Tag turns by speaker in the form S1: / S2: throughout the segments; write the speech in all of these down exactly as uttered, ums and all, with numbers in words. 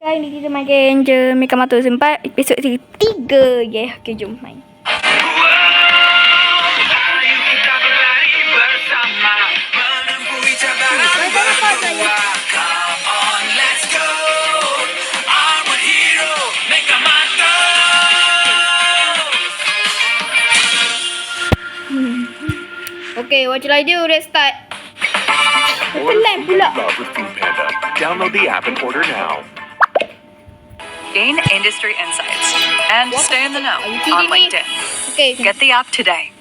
S1: Hari ni kita main game je Meka Mata Sempat episod tiga. Yeah, okay, jom main. Okay, what shall I do? Let's start. Pelan pula.
S2: Download the app and order now.
S3: Gain industry insights and
S1: What?
S3: stay in the know
S1: Are you
S3: on
S1: kidding me?
S3: LinkedIn.
S1: Okay.
S3: Get the app today.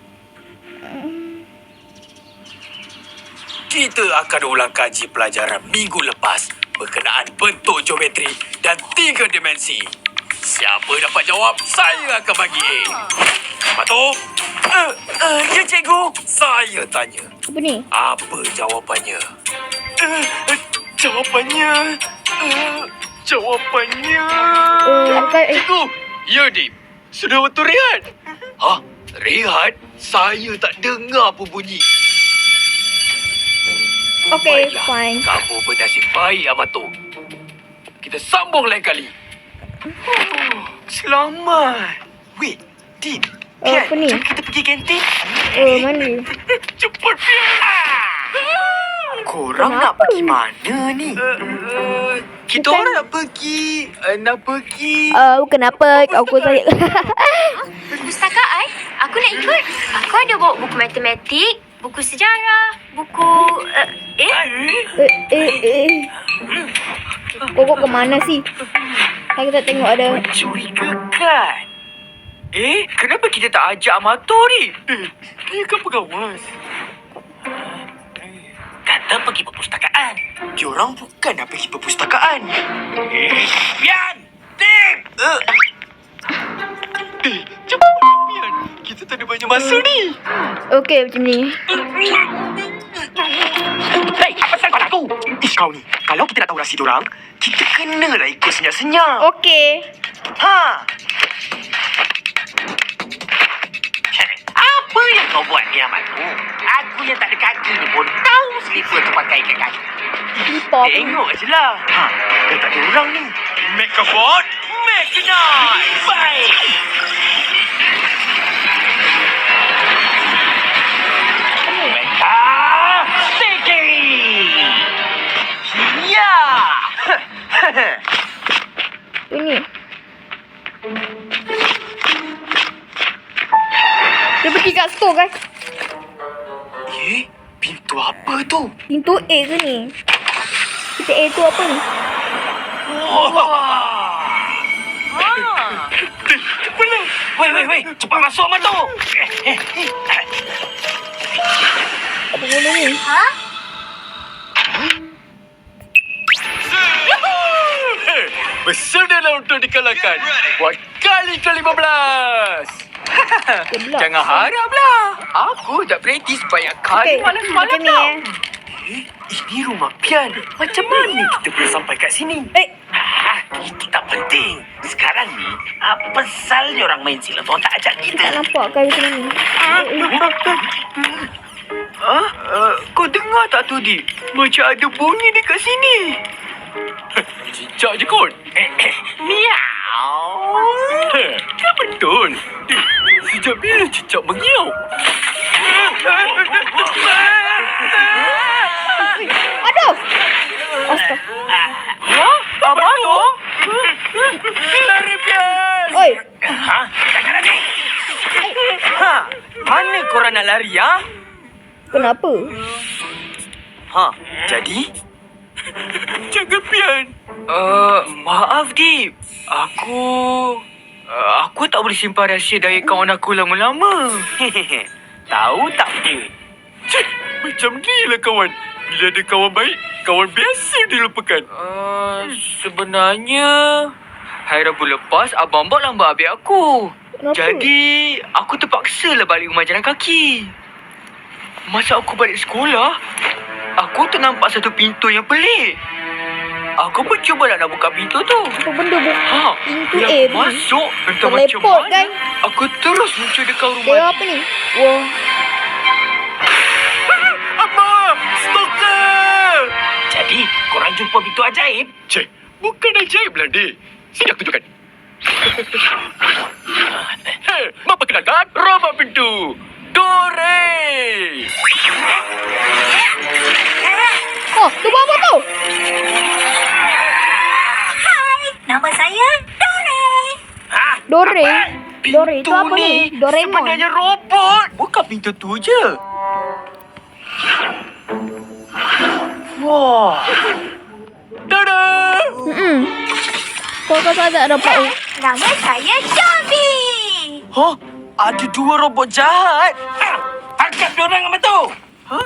S4: Kita akan ulang kaji pelajaran minggu lepas berkenaan bentuk geometri dan tiga dimensi. Siapa dapat jawab, saya akan bagi A. Mato? Uh, uh, ya, cikgu. Saya tanya.
S1: Apa ni?
S4: Apa jawapannya? Uh, uh, jawapannya... Uh, jawapannya...
S1: Uh, bukan, eh.
S4: Cikgu! Ya, Dim. Sudah waktu rehat. Hah? Rehat? Saya tak dengar pun bunyi.
S1: Okay,
S4: Baiklah,
S1: fine.
S4: kamu bernasib baik, Amato. Kita sambung lain kali. Oh, selamat. Wait, Din.
S1: Oh,
S4: Pian,
S1: apa ni?
S4: jom kita pergi kantin.
S1: Oh, mana?
S4: Cepat, Pian.
S5: Korang
S1: Kenapa
S5: nak pergi
S1: ni?
S5: mana ni?
S4: Uh, uh, kita
S1: Bukan.
S4: orang nak pergi. Uh, nak pergi.
S1: Oh, kenapa? Aku saya...
S6: Perpustakaan? Aku nak ikut. Aku ada bawa buku matematik, buku sejarah, buku... Uh, eh?
S1: eh, eh, eh. Kok ke mana sih? Saya tak tengok ada...
S5: Mencurigakan. Eh, kenapa kita tak ajak Amato ni?
S4: Eh, dia kan pengawas.
S5: Kata pergi perpustakaan. Diorang bukan nak pergi perpustakaan. Eh, Pian! Tim! Uh,
S4: Eh, cepat, Pian. Kita tak ada banyak masa ni.
S1: Okey, macam ni.
S5: Hei, apa pasal kau lagu? Ish, kau ni. Kalau kita nak tahu rahsia diorang, kita kenalah ikut senyap-senyap.
S1: Okey.
S5: Ha! Apa yang kau buat ni, Amato? Aku yang tak ada kaki ni pun tahu selipar tu pakai kat kaki.
S1: Pop.
S5: Tengok je lah. Ha, dah tak ada orang ni. Make a board, make a noise. Baik. Meka, sticky. Ya.
S1: Ini. Dia pergi kat store kan?
S5: Eh, pintu apa tu?
S1: Pintu A ke ni? Kita A tu apa ni?
S5: Cepatlah. Wei, wei, wei. Cepat masuk, Amato. Eh, eh, eh.
S1: Apa benda ni?
S6: Ha?
S4: Bersedia untuk dikalahkan. Buat kali ke lima belas.
S1: Dia belak.
S4: Jangan haraplah. Aku tak praktis banyak kali
S1: Okey,
S4: malam-malam
S1: macam ni
S4: tau.
S1: eh.
S5: Eh, ini rumah Pian. Macam mana kita boleh sampai kat sini?
S1: Eh,
S5: Ah, itu tak penting. Sekarang ni, apa pasal dia orang main silat? Orang tak ajak
S1: tak
S5: kita.
S1: nampak kan macam ni.
S5: Ha? Uh, kau dengar tak tu, Di? Macam ada bunyi dekat sini.
S4: Cicak je kot.
S5: Miau.
S4: Dia betul. Eh, sejak bila cicak mengiau?
S1: Aduh! Astaga.
S5: Ha? Amato? Lari, Pian!
S1: Oi,
S5: Ha? Jangan lari. Ha? Mana korang nak lari, ha?
S1: kenapa?
S5: Ha? Jadi?
S4: Jangan, Pian.
S5: Uh, maaf, Dip. Aku... Uh, aku tak boleh simpan rahsia dari kawan aku lama-lama. Tahu tak, Dip?
S4: Cik, macam ni lah kawan. Bila ada kawan baik, kawan biasa dilupakan.
S5: Uh, sebenarnya... Hari Rabu lepas, Abang Bak lambat habis aku.
S1: Kenapa?
S5: Jadi, aku terpaksa lah balik rumah jalan kaki. Masa aku balik sekolah, aku ternampak satu pintu yang pelik. Aku pun cuba nak buka pintu tu.
S1: Apa benda bu?
S5: Ha,
S1: Pintu
S5: bila
S1: A
S5: aku
S1: ni.
S5: masuk, entah macam
S1: Teleport,
S5: mana,
S1: kan?
S5: aku terus muncul dekat rumah.
S1: Dia apa ni? Wah.
S4: Abang! Stalker!
S5: Jadi, korang jumpa pintu ajaib?
S4: Cik, Bukan ajaib lah, Dek. Sini aku tunjukkan. Hei, mau perkenalkan robot pintu. Dore!
S1: Oh, tu buat apa tu?
S6: Nama saya Dore.
S4: Ha?
S1: Dore. Dore itu
S4: Pintu
S1: apa ni? Doraemon.
S4: sebenarnya robot. Bukan pintu tu je. Wah. Tada!
S1: Hmm. Kau kau tak dapat. Oh.
S6: Nama saya Dobby.
S4: Hah? Ada dua robot jahat. Tangkap diorang sama tu. Hah?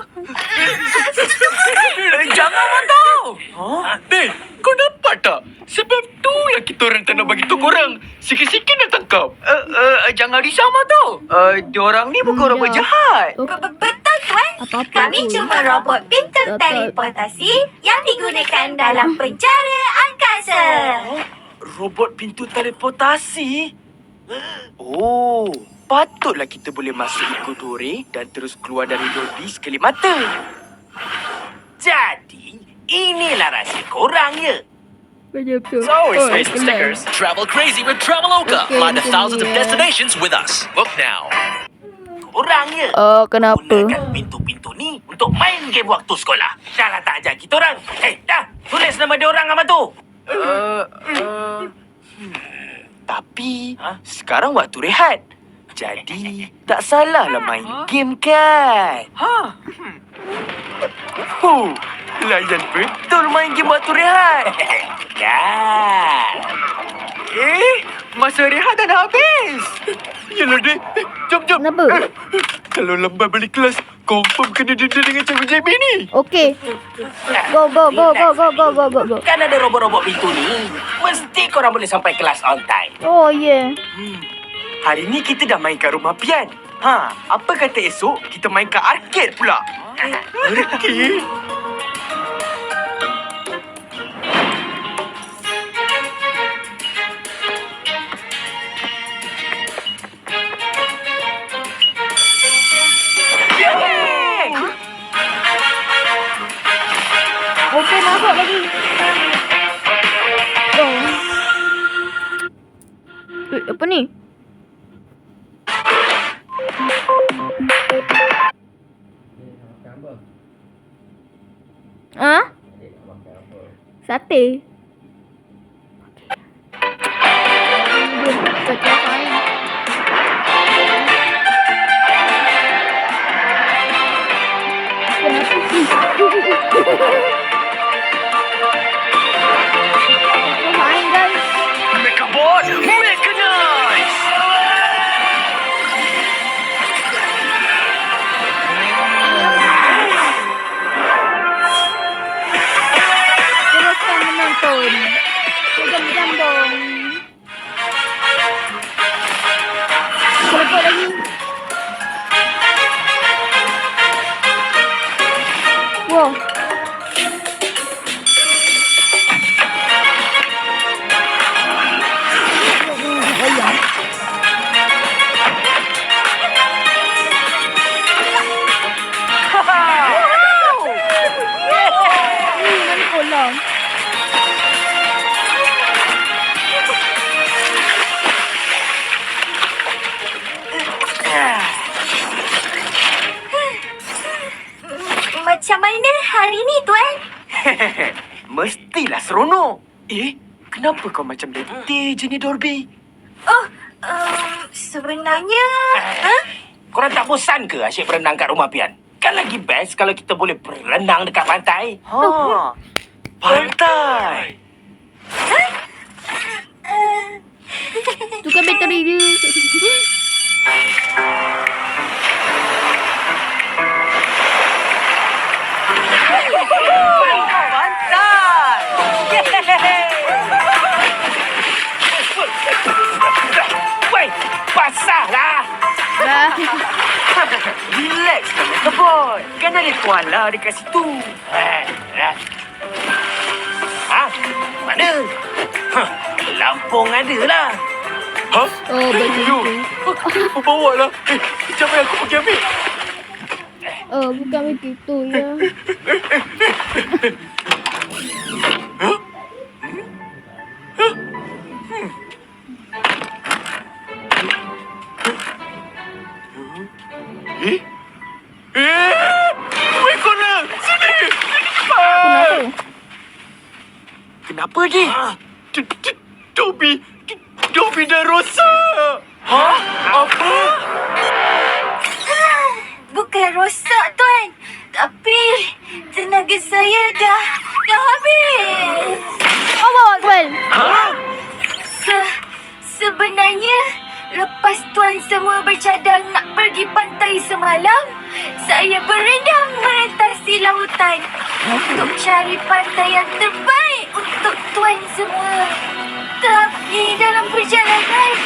S4: Eh, Jangan Mato. Hah? Dek, kau dapat tak? Sebab tu yang kita orang tak nak bagi tu korang. Sikit-sikit dah tangkap.
S5: Uh, uh, jangan risau, Mato. Uh, diorang ni bukan
S1: Hmm,
S5: robot
S1: ya.
S5: jahat.
S1: Oh,
S6: Betul, Tuan.
S1: apa-apa
S6: Kami
S1: tu.
S6: cuma robot pintu
S1: Betul.
S6: teleportasi yang digunakan dalam penjara angkasa.
S4: Robot pintu teleportasi? Oh, patutlah kita boleh masuk ikut Dore dan terus keluar dari Dobby sekali mata.
S7: Jadi, inilah rahsia korang ya.
S1: Macam tu.
S2: It's always
S1: Oh,
S2: face the
S1: kenal.
S2: stickers. Travel crazy with Traveloka.
S1: Okay,
S2: Find the
S1: itu
S2: thousands of
S1: dia.
S2: destinations with us. Book now.
S7: Korang ya.
S1: Oh, kenapa?
S7: Gunakan pintu-pintu ni untuk main game waktu sekolah. Dah lah tak ajar kita orang. Eh, dah. Tulis nama dia orang sama tu.
S5: Uh, uh,
S4: Tapi,
S7: Ha?
S4: sekarang waktu rehat. Jadi, tak salahlah main game kan?
S5: ha.
S4: Huh, layan betul main game waktu rehat.
S7: Kan.
S5: Eh, masa rehat dah nak habis.
S4: Yalah, Dek. Eh, Jom, jom.
S1: Kenapa?
S4: Eh, Kalau lambat balik kelas, confirm kena denda dengan Cikgu Jamie ni.
S1: Okey. Go, go, go, go, go, go, go, go, go.
S7: Kan ada robot-robot pintu ni. Mesti korang boleh sampai kelas on time.
S1: Oh, yeah.
S4: Hmm. Hari ni kita dah main kat rumah Pian. Ha, apa kata esok kita main kat arcade pula? Arcade?
S1: Okey, masuk lagi. Oh. Eh, apa ni? Ha? Sate. Sate apa ni? Kenapa sih? Main guys.
S4: Mechabot, mechanize!
S1: Teruskan menonton. Jam-jambong. Teleport lagi. Wow. Ayam. Hmm, mana kolam?
S6: Macam mana hari ni, Tuan?
S4: Mestilah seronok. Eh, kenapa kau macam letih je ni, Dorby?
S6: Oh, um, sebenarnya... Ha?
S7: Korang tak bosan ke asyik berenang kat rumah Pian? Kan lagi best kalau kita boleh berenang dekat pantai.
S4: Ha, pantai.
S1: Tukar bateri dia.
S7: Woi, basahlah.
S1: Dah.
S4: Relax lah, Mechabot. Kan ada koala dekat situ.
S7: Eh, eh. Ha? Mana? Huh, Lampung ada lah.
S4: Ha?
S1: Oh, begitu.
S4: Yo, bawa lah. Eh, sekejap eh, aku pergi ambil.
S1: Oh, bukan begitu ya.
S5: Eh, wait korang. Sini.
S1: Kenapa?
S5: Kenapa ni? D- D- Dobby. D- Dobby dah rosak. Ha? Apa?
S6: Bukan rosak, Tuan. Tapi tenaga saya dah, dah habis.
S1: Allah Akbar.
S5: Ha?
S6: Se, sebenarnya, lepas Tuan semua bercadang nak pergi pantai semalam, saya berenang merentasi lautan untuk cari pantai yang terbaik untuk Tuan semua. Tapi dalam perjalanan,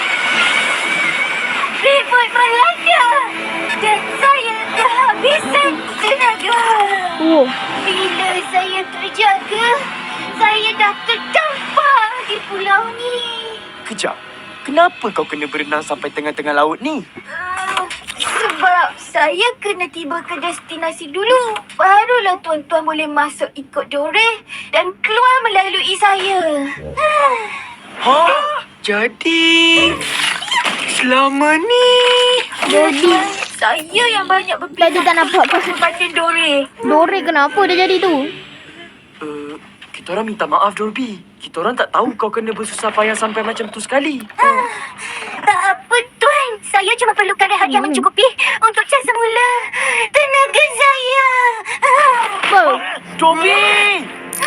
S6: ribut melanda dan saya kehabisan tenaga.
S1: Oh,
S6: Bila saya terjaga, saya dah terdampar di pulau ni.
S5: Kejap. Kenapa kau kena berenang sampai tengah-tengah laut ni?
S6: Uh, sebab saya kena tiba ke destinasi dulu. Barulah tuan-tuan boleh masuk ikut Dore dan keluar melalui saya.
S5: Ha? Jadi... Selama ni...
S1: jadi
S6: Saya yang banyak
S1: tadi
S6: berpindah
S1: tak nampak kau.
S6: berbanding Dore.
S1: Dore kenapa dia jadi tu?
S5: Uh, kita orang minta maaf, Dolby. Kita orang tak tahu kau kena bersusah payah sampai macam tu sekali.
S6: Tak apa, Tuan. Saya cuma perlukan rehat yang
S1: Hmm.
S6: mencukupi untuk cas semula tenaga saya.
S1: Apa?
S5: Dolby!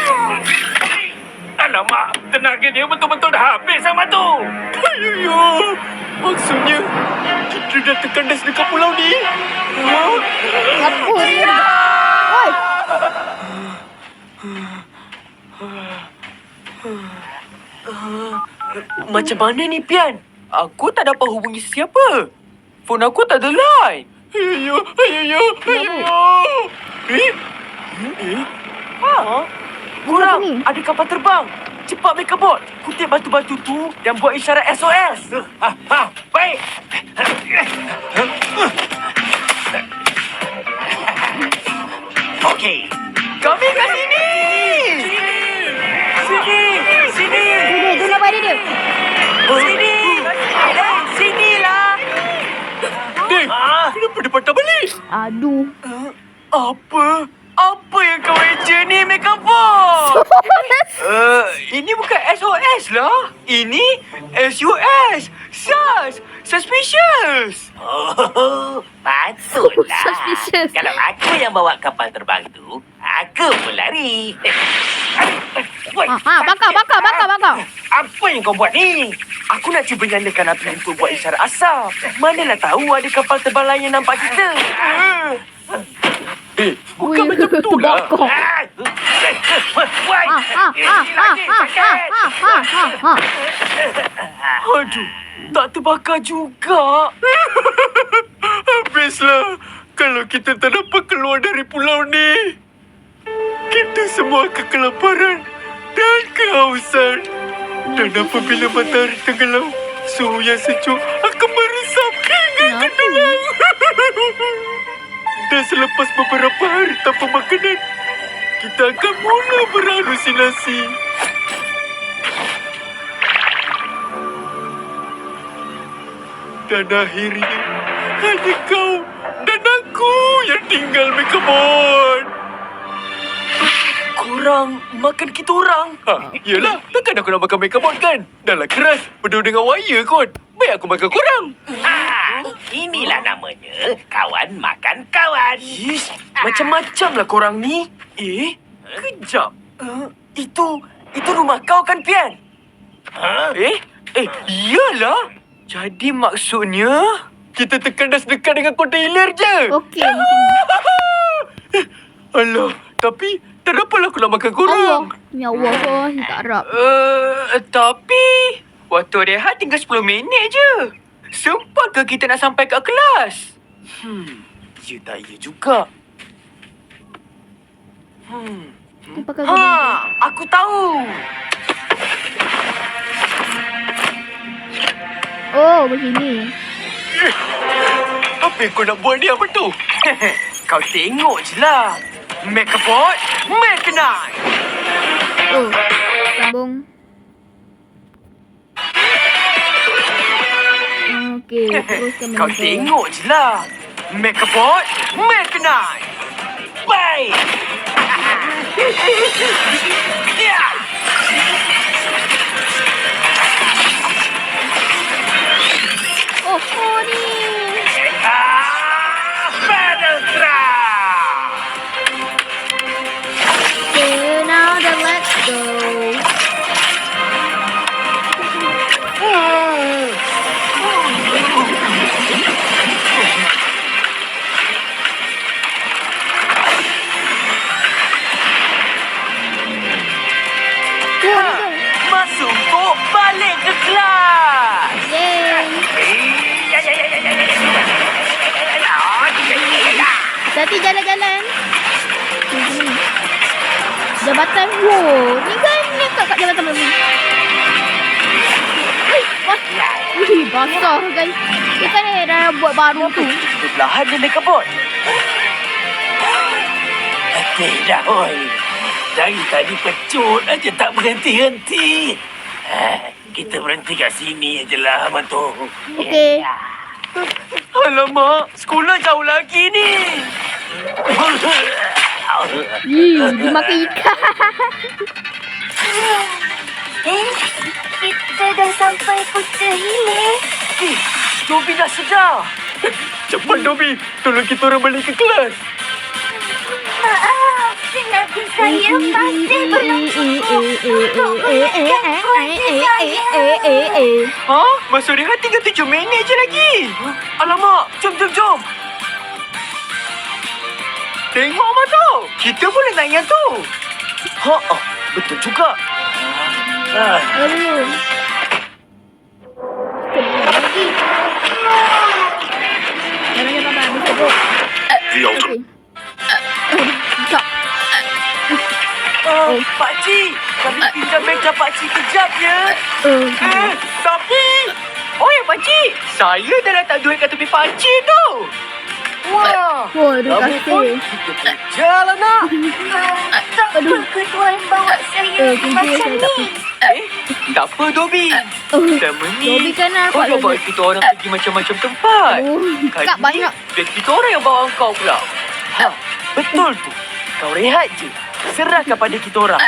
S7: Alamak, tenaga dia betul-betul dah habis sama tu.
S5: Ayuh, maksudnya kita dah terkandas dekat pulau ni. Ha?
S1: Apa dia? Oi,
S5: Macam mana ni, Pian? Aku tak dapat hubungi sesiapa. Phone aku tak ada line. Ayuh, ayuh, ayuh. Eh? Eh? Ha? Kurang,
S1: ni?
S5: ada kapal terbang. Cepat make a boat. Kutip batu-batu tu dan buat isyarat S O S.
S7: Ha, ha, baik. Okey.
S5: Kami kat sini. Sini. Sini.
S1: dia dia kenapa dia dia?
S5: Sini. Eh, sinilah. Dek, kenapa dia patah balik?
S1: Aduh.
S5: Apa? Apa yang kau eja ni, make up box? uh, ini bukan S O S lah. Ini S U S. Sus. Suspicious.
S7: Oh, patutlah.
S1: Suspicious.
S7: Kalau aku yang bawa kapal terbang tu, aku pun lari.
S1: Ha, ha, bakar, bakar, bakar, bakar.
S7: Apa yang kau buat ni?
S5: Aku nak cuba nyalakan api untuk buat isyarat asap. Manalah tahu ada kapal terbang lain yang nampak kita. Eh, bukan
S1: Ui,
S5: macam tu lah.
S1: bakar.
S7: Ah, Wai,
S1: Ha, ha, ha, ha, ha, ha, ha, ha, ha, ha.
S5: Aduh, tak terbakar juga. Habislah. Kalau kita tak dapat keluar dari pulau ni, kita semua akan kelaparan dan kehausan. Dan apabila matahari tenggelam, suhu yang sejuk akan meresap hingga ke
S1: Kenapa?
S5: tulang. Dan selepas beberapa hari tanpa makanan, kita akan mula berhalusinasi. Dan akhirnya, hanya kau dan aku yang tinggal Megabot. Korang makan kita orang? Ha, yelah, takkan aku nak makan Megabot kan? Dah lah keras, penuh dengan wire kot. Baik aku makan korang.
S7: Ah, inilah namanya kawan makan kawan.
S5: Ish, macam-macam lah korang ni. Eh, kejap. Uh, itu, itu rumah kau kan, Pian?
S7: Ha?
S5: Eh, eh, iyalah. Jadi maksudnya, kita terkandas dekat dengan kontainer je.
S1: Okey, macam ni.
S5: Alah, tapi tak dapatlah aku nak makan korang.
S1: Allah. Ya Allah, kau tak harap.
S5: Uh, tapi, waktu rehat tinggal sepuluh minit je. Sempat ke kita nak sampai kat kelas? Hmm, ya tak ya juga. Hmm.
S1: Aku pakai
S5: Ha,
S1: gini.
S5: aku tahu.
S1: Oh, begini.
S5: Eh, apa yang kau nak buat ni, apa tu? Kau tengok je lah. Make a pot, make a knife.
S1: Oh, sambung. Okey, teruskan
S5: Kau
S1: menonton.
S5: tengok je lah. Mechabot, Mechanized.
S7: Baik. Ya.
S1: Oh, oh ni.
S7: Ah, Battle Trap.
S1: Okay, now then let's go.
S5: Masuk kok balik ke kelas.
S1: Yay.
S7: Ya, ya, ya, ya, ya, ya, ya.
S1: Hati jalan-jalan. Hmm. Jabatan. Wow, ni kan dekat kat jabatan baru. Eh, wah. Wih, basah guys. Dia kan eh, dah buat baru tu.
S5: Perlahan dia Mechabot.
S7: Tidak, oi. Dari tadi pecut aja tak berhenti-henti. Ah, kita berhenti kat sini je lah, Mato.
S1: Okey.
S5: Alamak, sekolah jauh lagi ni.
S1: Ih, dia makan ikan.
S6: Eh, kita dah sampai Putera Hilir.
S5: Eh, Dobby dah sedar. Cepat Dobby, tolong kita orang balik ke kelas.
S6: Maaf, tenaga saya masih belum cukup untuk menunjukkan kuasa saya.
S5: Ha? Masuk rehat tinggal tujuh minit je lagi. Alamak, jom, jom, jom. Tengok Mato, kita boleh naik yang tu. Ha, ah, betul juga.
S7: Ah,
S1: Aduh. Kita boleh lagi. Jangan apa-apa, bisa bro. Okey. Tak.
S5: Oh, Pakcik, kami pinjam meja Pakcik kejap ya.
S1: Eh,
S5: Eh, tapi... Oh ya Pakcik, saya dah letak duit kat tepi Pakcik tu. Wah,
S1: oh, terima
S5: kamu pun
S1: kasih.
S5: kita kerja lah nak.
S6: Tak apa ke tuan bawa saya
S1: Eh, kerja
S6: macam
S1: saya tak
S6: ni?
S5: Eh, tak apa Dobby.
S1: Oh,
S5: Selama ni,
S1: Dobby kan nak
S5: kau
S1: buat
S5: dah bawa
S1: lagi.
S5: kita orang pergi macam-macam tempat.
S1: Oh,
S5: Kali
S1: Kak
S5: ni,
S1: banyak.
S5: biar kita orang yang bawa kau pula. Ha, betul tu. Kau rehat je. Serahkan pada kita orang.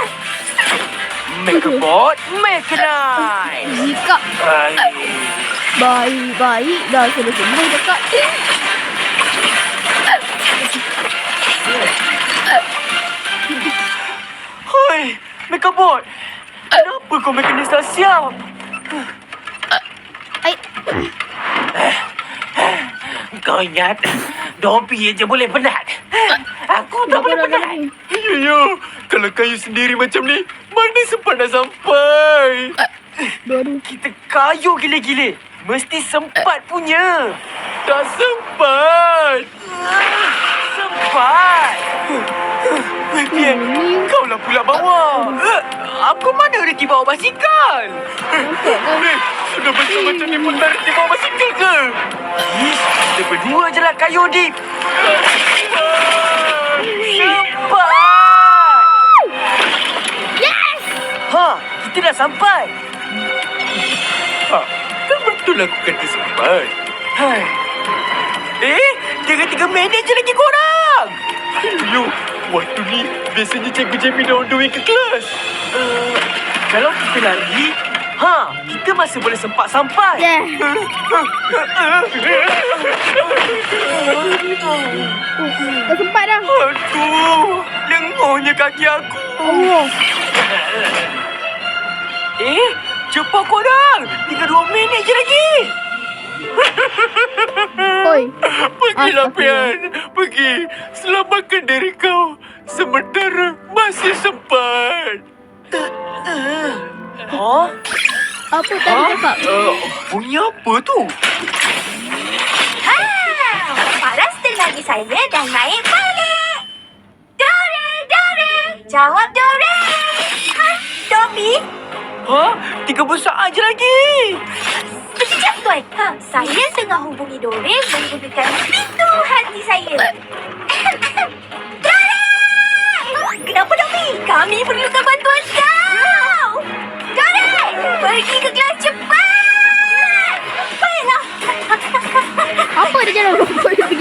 S5: Mechabot, Mechanized.
S1: Jika
S7: baik.
S1: baik-baik dah selesai dekat.
S5: Hoi, Mechabot. Kenapa kau mekanis tak siap?
S1: Ai,
S7: Kau ingat, Dobby je boleh penat. Aku tak
S1: dah
S7: boleh
S1: dah
S7: penat.
S1: dah.
S5: Ya, ya. Kalau kayu sendiri macam ni, mana sempat nak sampai?
S1: Baru.
S5: Kita kayu gila-gila. Mesti sempat punya. Tak sempat. Sempat. Vivian,
S1: Hmm.
S5: kau lah pula bawa. Eh, Aku mana rezeki bawa basikal? Eh, sudah besar macam ni pun tak rezeki bawa basikal ke? Ish, kita berdua je lah kayu, Dik. Sempat.
S1: Yes!
S5: Ha, kita dah sampai. Ha, kan betul aku kata sempat. Hai. Eh, tinggal tiga minit je lagi korang. Yo, waktu ni biasanya Cikgu Jamie dah on the way ke kelas. Uh, kalau kita lari, ha, kita masih boleh sempat sampai.
S1: Yeah. Dah sempat dah.
S5: Aduh, lenguhnya kaki aku.
S1: Allah.
S5: Eh, cepat korang. Tinggal dua minit je lagi.
S1: Oi.
S5: Pergilah,
S1: Astagfirullah.
S5: Pian. Pergi. Selamatkan diri kau. Sementara masih sempat. Ha?
S1: Apa tadi cakap?
S5: Uh, bunyi apa tu?
S6: Ah, paras tenaga saya dah naik balik. Dore, Dore. Jawab Dore. Ha, Dobby.
S5: Ha? Tiga besar je lagi.
S6: Sekejap tuan. Ha, saya tengah hubungi Dore menggunakan pintu hati saya. Dore! Kenapa Dobby? Kami perlukan bantuan kau. Dore! Pergi ke kelas cepat. Baiklah.
S1: Apa dia jalan? Pergi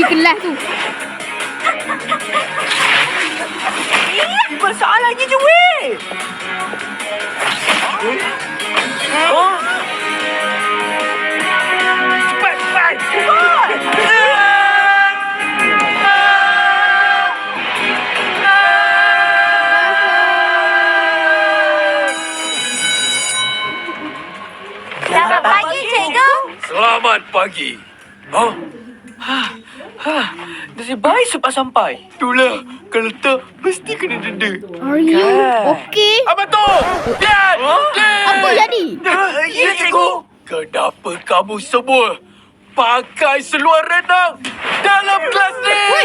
S4: pagi. Ha?
S5: Ha, nasib baik sebab sampai. Itulah, kalau tak, mesti kena denda.
S1: Are you okay?
S4: Abang tu! Lihat! Lihat!
S1: Apa jadi?
S5: Ya, cikgu.
S4: Kenapa kamu semua pakai seluar renang dalam kelas ni?
S1: Woi!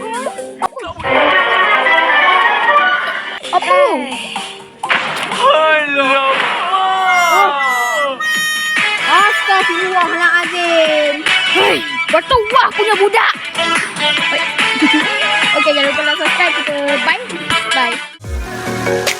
S1: Apa?
S5: Alamak.
S1: Astaghfirullahaladzim. Hei, bertuah punya budak. Okey, jangan lupa like, subscribe kita. Bye. Bye.